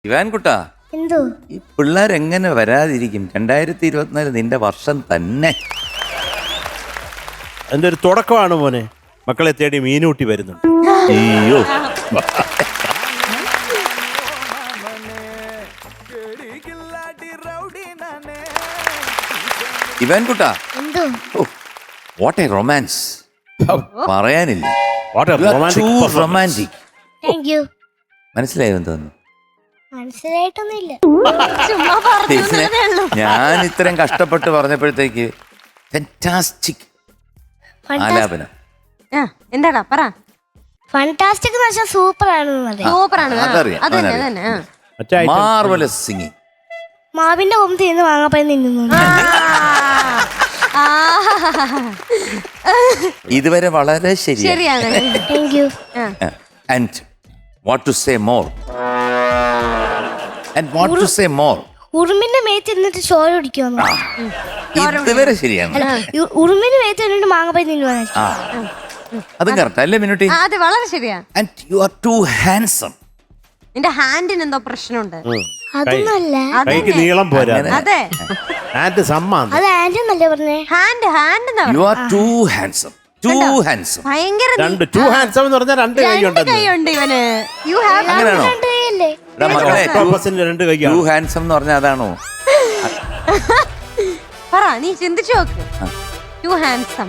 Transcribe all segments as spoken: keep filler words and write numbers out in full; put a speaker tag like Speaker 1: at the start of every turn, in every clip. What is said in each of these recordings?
Speaker 1: ഇവാൻകുട്ടാ,
Speaker 2: എന്തോ
Speaker 1: ഈ പിള്ളേരെങ്ങനെ വരാതിരിക്കും? രണ്ടായിരത്തി ഇരുപത്തിനാല് നിന്റെ വർഷം തന്നെ.
Speaker 3: അതിന്റെ ഒരു തുടക്കമാണ് മോനെ. മക്കളെ തേടി മീനൂട്ടി വരുന്നുണ്ട്.
Speaker 1: അയ്യോ, ഇവാൻകുട്ടാ,
Speaker 2: എന്തോ
Speaker 1: വാട്ട് എ റൊമാൻസ്, പറയാനില്ല.
Speaker 3: What a romantic performance.
Speaker 1: Romantic.
Speaker 2: Thank you.
Speaker 1: മനസ്സിലായോ തോന്നുന്നു?
Speaker 2: മനസ്സിലായിട്ടൊന്നുമില്ല.
Speaker 4: ചുമ്മാ പറഞ്ഞു എന്നതേ ഉള്ളൂ.
Speaker 1: ഞാൻ ഇത്രയും കഷ്ടപ്പെട്ട് പറഞ്ഞപ്പോഴത്തേക്ക് ഫാന്റാസ്റ്റിക് ആലാപനം.
Speaker 4: ആ, എന്താടാ പറ.
Speaker 2: ഫാന്റാസ്റ്റിക് എന്ന് വെച്ചാൽ സൂപ്പർ ആണെന്ന് പറയാം.
Speaker 4: സൂപ്പറാണ്. ആ,
Speaker 1: അതറിയാം,
Speaker 4: അത് തന്നെ
Speaker 1: അതറിയാം.
Speaker 4: അത് തന്നെ. ആ.
Speaker 3: മറ്റേ item.
Speaker 1: Marvellous singing.
Speaker 2: മാവിന്റെ കൊമ്പ് തിന്ന് വാങ്ങാപ്പഴം തിന്നുന്നു.
Speaker 4: ആ,
Speaker 1: ഇതുവരെ വളരെ ശരിയാണ്.
Speaker 4: ശരിയാണ്.
Speaker 2: Thank you.
Speaker 4: ആ.
Speaker 1: And what to say more, and what to say more.
Speaker 2: ഉറുമിന്റെ മേത്ത് ഇരുന്നിട്ട് ചോര കുടിക്കുവന്നു.
Speaker 1: ഇതുവരെ ശരിയാണ്.
Speaker 2: അല്ല, ഉ- ഉറുമിന്റെ മേത്ത് ഇരുന്നിട്ട് മാങ്ങാപ്പഴം തിന്നുവാണ്.
Speaker 1: ആ, അതും കറക്റ്റ് അല്ലേ മിനുട്ടി?
Speaker 4: ആ, അത് വളരെ ശരിയാ.
Speaker 1: And you are too handsome.
Speaker 4: നിന്റെ ഹാൻഡിന് എന്തോ പ്രശ്നമുണ്ട്.
Speaker 3: ഉം.
Speaker 2: അതൊന്നല്ല.
Speaker 3: കൈക്ക് നീളം പോരാ.
Speaker 4: അതെ,
Speaker 3: ആൻഡ് സമ്മാനം.
Speaker 2: അത് ആന്റി എന്നല്ലേ പറഞ്ഞേ?
Speaker 4: ഹാൻഡ് ഹാൻഡ് എന്നാ
Speaker 1: യു
Speaker 4: പറഞ്ഞെ.
Speaker 1: Are too handsome, too handsome.
Speaker 4: ഭയങ്കര നീ-
Speaker 3: രണ്ട് ടു ഹാൻഡ്സം എന്ന് പറഞ്ഞാൽ രണ്ട് കൈ
Speaker 4: രണ്ട്
Speaker 3: ഉണ്ടെന്ന്.
Speaker 4: കൈയുണ്ട് ഇവന്. യു ഹാവ്
Speaker 1: അങ്ങനെയാണോ?
Speaker 2: രണ്ട് കൈയല്ലേ?
Speaker 1: എടാ മക്കളെ,
Speaker 3: ഓക്ടോപസിന്റെ രണ്ട്
Speaker 1: ടു
Speaker 3: കൈയാണ്.
Speaker 1: ഹാൻസം എന്ന് പറഞ്ഞാൽ അതാണോ?
Speaker 4: പറ, നീ ചിന്തിച്ചു നോക്ക്. You handsome.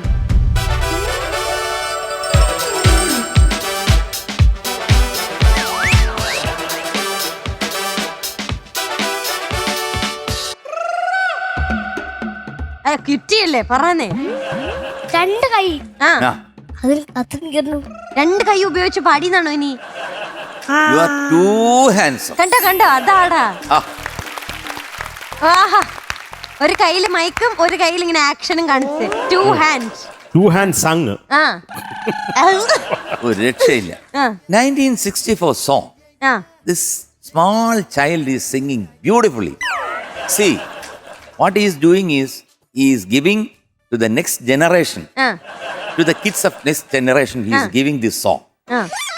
Speaker 4: കിട്ടിയല്ലേ പറഞ്ഞേ.
Speaker 2: രണ്ട് കൈ.
Speaker 4: ആ,
Speaker 1: ആ,
Speaker 2: അതിൽ അത്ര നിൽക്കുന്നു.
Speaker 4: രണ്ട് കൈ ഉപയോഗിച്ച് പാടിയെന്നാണോ ഇനി?
Speaker 1: You are too handsome.
Speaker 4: കണ്ടോ കണ്ടോ, അതാടാ.
Speaker 1: ആ,
Speaker 4: ആഹാ, ഒരു കയ്യില് മൈക്കും ഒരു കയ്യിൽ ഇങ്ങനെ ആക്ഷനും കാണിച്ച് two hands.
Speaker 3: Two hand sung.
Speaker 4: ആ
Speaker 1: ഒരു രക്ഷയില്ല.
Speaker 4: ആ,
Speaker 1: നയൻറ്റീൻ സിക്സ്റ്റി ഫോർ song.
Speaker 4: ആ.
Speaker 1: This small child is singing beautifully. See, what he is doing is he is giving to the next generation,
Speaker 4: ആ,
Speaker 1: to the kids of next generation, he is
Speaker 4: Ah.
Speaker 1: giving this song.
Speaker 4: ആ.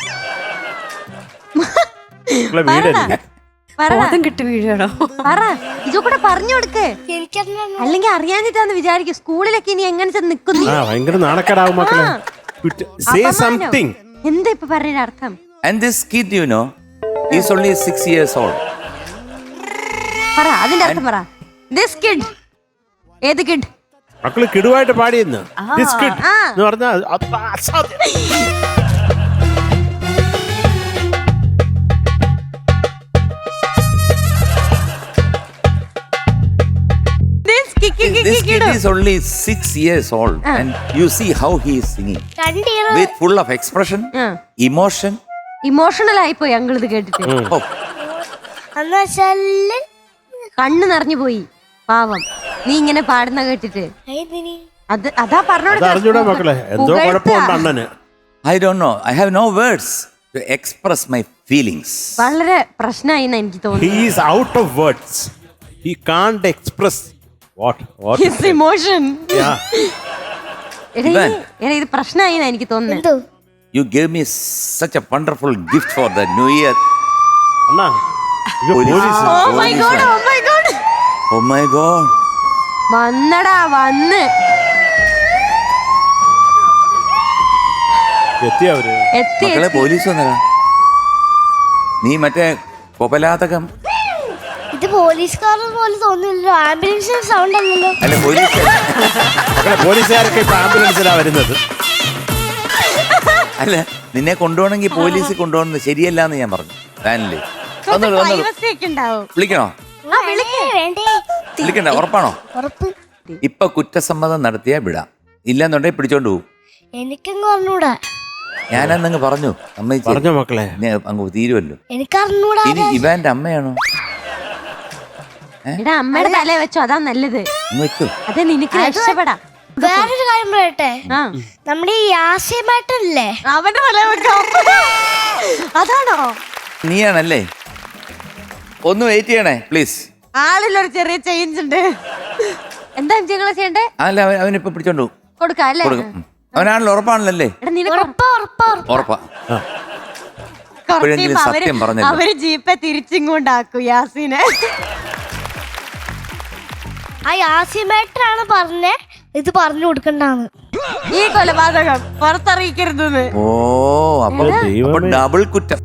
Speaker 3: വീടല്ലേ?
Speaker 4: പറ,
Speaker 5: കിട്ടി വീഴണോ?
Speaker 4: പറ, ഇതൊക്കെ പറഞ്ഞു കൊടുക്ക്.
Speaker 2: എനിക്കറിയാം.
Speaker 4: അല്ലെങ്കിൽ അറിയാഞ്ഞിട്ടാന്ന് വിചാരിക്കും. സ്കൂളിലൊക്കെ ഇനി എങ്ങനെ ചെന്ന് നിക്കുന്നു?
Speaker 3: ആ ഭയങ്കര നാണക്കേടാവും മക്കളെ. Say something.
Speaker 4: എന്താ ഇപ്പൊ പറഞ്ഞ അർത്ഥം?
Speaker 1: And this kid, you know, he is only six years old.
Speaker 4: പറ, അതിന്റെ അർത്ഥം പറ. This kid. ഏത് കിഡ്?
Speaker 3: മക്കള് കിടുവായിട്ട് പാടിയെന്ന്. This kid
Speaker 4: ആ.
Speaker 3: എന്ന് പറഞ്ഞാൽ അത് അസാധ്യം.
Speaker 4: This ki- ki- ki-
Speaker 1: This
Speaker 4: ki-
Speaker 1: kid
Speaker 4: kid.
Speaker 1: is only six years old,
Speaker 4: Ah.
Speaker 1: and you see how he is singing
Speaker 2: രണ്ട് ear.
Speaker 1: with full of expression,
Speaker 4: ആ.
Speaker 1: emotion.
Speaker 4: ഇമോഷണൽ ആയിപ്പോയി അങ്കിൾ ഇത് കേട്ടിട്ട്.
Speaker 1: Oh,
Speaker 2: എന്ന് വെച്ചാല്
Speaker 4: കണ്ണ് നിറഞ്ഞു പോയി പാവം. നീ ഇങ്ങനെ പാടുന്ന കേട്ടിട്ട്.
Speaker 2: ഏതിനി?
Speaker 4: അത് അതാ
Speaker 3: അത്
Speaker 4: പറഞ്ഞോട്.
Speaker 3: അറിഞ്ഞൂടാ മക്കളെ. എന്തോ കുഴപ്പമുണ്ട് അണ്ണന്.
Speaker 1: I don't know. I have no words to express my feelings.
Speaker 4: വളരെ പ്രശ്നമായി എന്നാ എനിക്ക്
Speaker 3: He
Speaker 4: തോന്നുന്നു.
Speaker 3: is out of words. He can't express what what.
Speaker 4: His emotion.
Speaker 3: Yeah.
Speaker 4: എടാ
Speaker 1: ഇവൻ.
Speaker 4: ഇത്- എടാ ഇത് പ്രശ്നമായി എന്നാ എനിക്ക് തോന്നുന്നത്.
Speaker 2: എന്തോ
Speaker 1: You gave me such a wonderful gift for the new year.
Speaker 3: അണ്ണാ ഇത്
Speaker 1: police.
Speaker 3: Police.
Speaker 4: Oh my God, oh my God.
Speaker 1: Oh my God.
Speaker 4: വന്നടാ വന്ന്
Speaker 3: എത്തി അവര്.
Speaker 4: എത്തി
Speaker 1: മക്കളെ,
Speaker 4: എത്തി.
Speaker 1: പോലീസ് വന്നതാ. നീ മറ്റേ കൊപലാതകം
Speaker 2: ഇത് പോലീസുകാരുടെ പോലെ തോന്നില്ലല്ലോ. ആംബുലൻസിന്റെ സൗണ്ട് അല്ലല്ലോ.
Speaker 1: അല്ല, പോലീസ്
Speaker 3: മക്കളെ പോലീസുകാരൊക്കെ ഇപ്പൊ ആംബുലൻസിലാ വരുന്നത്.
Speaker 1: അല്ല, നിന്നെ കൊണ്ടുപോകണമെങ്കിൽ പോലീസ് കൊണ്ടുപോകുന്നത് ശരിയല്ല എന്ന് ഞാൻ പറഞ്ഞു. വാനില് വന്നോളൂ, വന്നോളൂ.
Speaker 4: Privacy ഒക്കെ ഉണ്ടാവും.
Speaker 1: വിളിക്കണോ?
Speaker 4: ആ, വിളിക്ക്.
Speaker 2: വേണ്ടേ?
Speaker 1: വിളിക്കണ്ട, ഉറപ്പാണോ?
Speaker 2: ഉറപ്പ്.
Speaker 1: ഇപ്പൊ കുറ്റസമ്മതം നടത്തിയാ വിടാം, ഇല്ലെന്നുണ്ടെങ്കിൽ പിടിച്ചോണ്ട് പോകും.
Speaker 2: എനിക്കങ്ങ് പറഞ്ഞൂടാ.
Speaker 1: ഞാനന്നങ്ങ് പറഞ്ഞു, സമ്മതിച്ചു.
Speaker 3: പറഞ്ഞോ മക്കളെ.
Speaker 1: പിന്നെ അങ്ങ് തീരുമല്ലോ.
Speaker 2: എനിക്കറിഞ്ഞൂടാ.
Speaker 1: ഇനി ഇവാന്റെ അമ്മയാണോ?
Speaker 4: എടാ അമ്മയുടെ തല വെച്ചോ, അതാ നല്ലത്.
Speaker 1: അങ്ങ് വെച്ചു.
Speaker 4: അതെ, നിനക്ക് രക്ഷപ്പെടാം.
Speaker 2: വേറൊരു കാര്യം പറയട്ടെ.
Speaker 4: ആ,
Speaker 2: നമ്മുടെ ഈ യാസ്യമായിട്ടല്ലേ?
Speaker 4: അവന്റെ തല വെക്കാം. അതാണോ?
Speaker 1: നീയാണല്ലേ? ഒന്ന് വെയിറ്റ് ചെയ്യണേ പ്ലീസ്.
Speaker 4: ആളിലൊരു ചെറിയ ചേഞ്ച് ഉണ്ട്. എന്താ ഞങ്ങളെ ചെയ്യണ്ടേ?
Speaker 1: അല്ല, അവൻ അവനിപ്പൊ പിടിച്ചോണ്ട് പോകും.
Speaker 4: കൊടുക്കാം അല്ലേ?
Speaker 1: കൊടുക്കും. അവനാണല്ലോ, ഉറപ്പാണല്ലേ?
Speaker 4: എടാ നിനക്ക്
Speaker 2: ഉറപ്പാ ഉറപ്പാ ഉറപ്പാ.
Speaker 1: ഉറപ്പാ.
Speaker 3: ആ.
Speaker 1: ഇപ്പോഴെങ്കിലും സത്യം പറഞ്ഞല്ലോ.
Speaker 4: അവര് ജീപ്പെ തിരിച്ചിങ്ങോണ്ടാക്കും യാസിനെ.
Speaker 2: ആ യാസിമേട്ടനാണ് പറഞ്ഞേ ഇത് പറഞ്ഞു കൊടുക്കണ്ടാന്ന്.
Speaker 4: ഈ കൊലപാതകം പുറത്തറിയിക്കരുതെന്ന്.
Speaker 1: ഓ അപ്പൊ
Speaker 3: ദൈവമേ.
Speaker 1: ഡബിൾ കുറ്റം.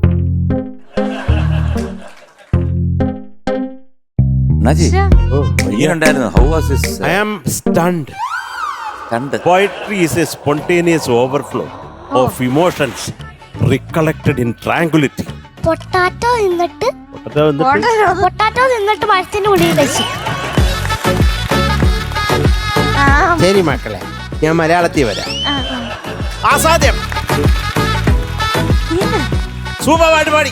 Speaker 1: നജി
Speaker 3: Oh,
Speaker 1: എങ്ങനെയുണ്ടായിരുന്നു? How was his
Speaker 3: I am stunned.
Speaker 1: കണ്ട്?
Speaker 3: Poetry is a spontaneous overflow of emotions recollected in tranquility.
Speaker 2: Potato തിന്നിട്ട്
Speaker 3: പൊട്ടത്തോ എന്നിട്ട്
Speaker 2: പൊട്ടാറ്റോ തിന്നിട്ട് മരത്തിന്റെ ഉള്ളിൽ വെച്ചു.
Speaker 4: ആ,
Speaker 3: ശരി മക്കളെ, ഞാൻ മലയാളത്തിൽ വരാം. അസാധ്യം. സൂപ്പർ പാട്ട് പാടി.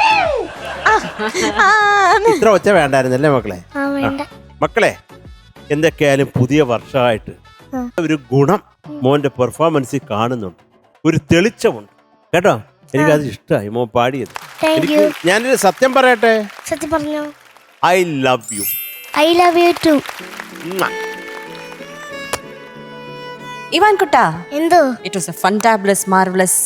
Speaker 4: ആ,
Speaker 3: ഇത്ര ഒച്ച വേണ്ടായിരുന്നല്ലേ മക്കളെ?
Speaker 2: ആ വേണ്ട.
Speaker 3: മക്കളെ, എന്തൊക്കെയായാലും പുതിയ വർഷമായിട്ട് ഒരു ഗുണം മോന്റെ പെർഫോമൻസിൽ കാണുന്നുണ്ട്. ഒരു തെളിച്ചമുണ്ട് കേട്ടോ. എനിക്കത് ഇഷ്ടമായി മോൻ പാടിയത്.
Speaker 2: താങ്ക്
Speaker 3: എനിക്ക്
Speaker 2: യു.
Speaker 3: ഞാനൊരു സത്യം പറയട്ടെ.
Speaker 2: സത്യം പറഞ്ഞോ.
Speaker 3: I love you.
Speaker 2: I love you too.
Speaker 5: Ivan Kutta,
Speaker 2: എന്തോ
Speaker 5: it was a fantabulous, marvelous.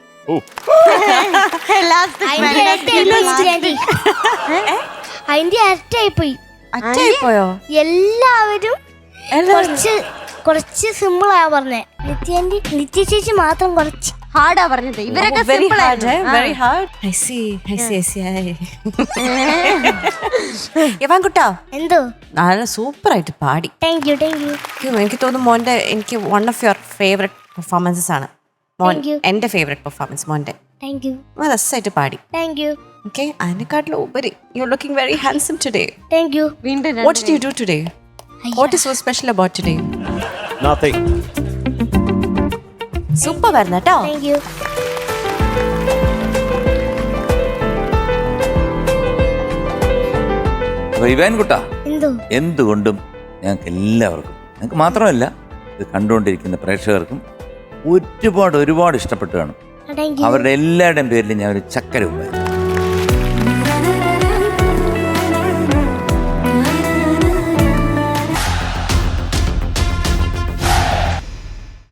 Speaker 4: last
Speaker 2: അതിന്റെ ഇരട്ടിയായിപ്പോയി. അതിന്റെ ഇരട്ടിയായിപ്പോയി.
Speaker 5: അറ്റായിപ്പോയോ?
Speaker 2: എല്ലാവരും കുറച്ച് കുറച്ച് സിമ്പിൾ ആ പറഞ്ഞേ. നിത്യാന്റി നിത്യ ചേച്ചി മാത്രം കുറച്ച്
Speaker 4: ഹാർഡാ പറഞ്ഞത്. ഇവരൊക്കെ
Speaker 5: Oh, very
Speaker 4: simple
Speaker 5: hard, eh?
Speaker 4: ആയിരുന്നു.
Speaker 5: Very hard. I see, I see, I see. I- Ivan Kutta,
Speaker 2: എന്തോ.
Speaker 5: നല്ല സൂപ്പർ ആയിട്ട് പാടി.
Speaker 2: താങ്ക് യു താങ്ക് യു
Speaker 5: എനിക്ക് എനിക്ക് തോന്നുന്നു മോന്റെ എനിക്ക് one of your favourite performances ആണ് മോൻ.
Speaker 2: Thank you.
Speaker 5: എന്റെ ഫേവറേറ്റ് പെർഫോമൻസ് മോന്റെ.
Speaker 2: താങ്ക് യു
Speaker 5: രസമായിട്ട് പാടി.
Speaker 2: താങ്ക് യു
Speaker 5: ഓക്കെ, അതിനെക്കാട്ടിലും ഉപരി you are looking very handsome today.
Speaker 2: Thank you.
Speaker 4: വീണ്ടും
Speaker 5: what did you do today? What is so special about today?
Speaker 3: Nothing.
Speaker 5: Super ആയിരുന്നു കേട്ടോ.
Speaker 2: Thank you.
Speaker 1: അപ്പൊ ഇവാൻ കുട്ടാ,
Speaker 2: എന്തോ.
Speaker 1: എന്തുകൊണ്ടും ഞങ്ങൾക്ക് എല്ലാവർക്കും, ഞങ്ങൾക്ക് മാത്രമല്ല ഇത് കണ്ടുകൊണ്ടിരിക്കുന്ന പ്രേക്ഷകർക്കും ഒരുപാട് ഒരുപാട് ഇഷ്ടപ്പെട്ടു കാണും.
Speaker 2: Thank you.
Speaker 1: അവരുടെ എല്ലാവരുടെയും പേരിൽ ഞാൻ ഒരു ചക്കര ഉമ്മ